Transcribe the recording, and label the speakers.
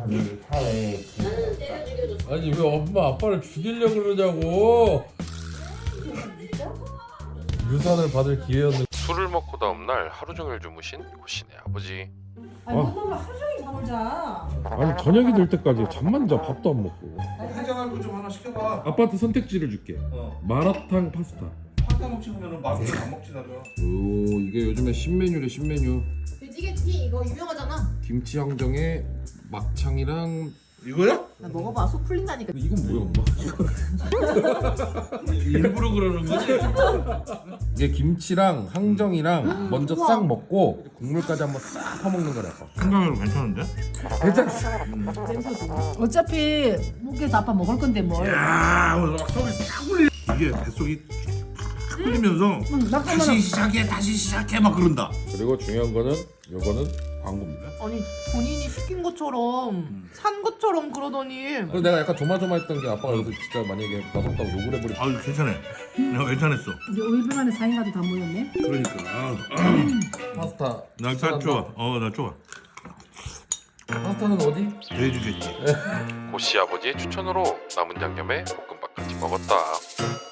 Speaker 1: 우리 사회에
Speaker 2: 아니 왜 엄마 아빠를 죽이려고 그러냐고. 유산을 받을 기회였는데.
Speaker 3: 술을 먹고 다음날 하루 종일 주무신 고씨네 아버지.
Speaker 4: 아니 끝나면 하루 종일 잠을 자.
Speaker 2: 아니 저녁이 될 때까지 잠만 자. 밥도 안 먹고.
Speaker 5: 해장할 거 좀 하나 시켜봐.
Speaker 2: 아빠한테 선택지를 줄게. 마라탕 파스타.
Speaker 5: 파스타 먹지 그러면은 맛있게 안 먹지 나도.
Speaker 2: 오 이게 요즘에 신메뉴래 신메뉴.
Speaker 4: 돼지게티 이거 유명하잖아.
Speaker 2: 김치 항정에 막창이랑.
Speaker 5: 이거야?
Speaker 4: 나 먹어봐 속 풀린다니까.
Speaker 2: 근데 이건 뭐야 엄마?
Speaker 5: 일부러 그러는 거지?
Speaker 2: 이게 김치랑 항정이랑 먼저 싹 먹고 국물까지 한번 싹 퍼먹는 거래 아빠.
Speaker 5: 생각해도 괜찮은데?
Speaker 2: 괜찮지?
Speaker 4: 어차피 목에서 아빠 먹을 건데 뭘.
Speaker 5: 야, 오늘 속이 싹 울리. 이게 뱃속이 팍 풀리면서 다시 시작해 막 그런다.
Speaker 2: 그리고 중요한 거는 요거는 광고입니다.
Speaker 6: 아니 본인이 시킨 것처럼 산 것처럼 그러더니
Speaker 2: 그래서 내가 약간 조마조마했던 게 아빠가 여기서 진짜 만약에 맛없다고 욕을 해버리.
Speaker 5: 아유 괜찮아. 내가 괜찮았어.
Speaker 4: 우리 5일 만에 4인가도 다 모였네.
Speaker 5: 그러니까.
Speaker 2: 파스타.
Speaker 5: 나 좋아. 나 좋아.
Speaker 2: 파스타는 어디?
Speaker 5: 돼지겠지.
Speaker 3: 고씨 아버지의 추천으로 남은 양념에 볶음밥까지 먹었다.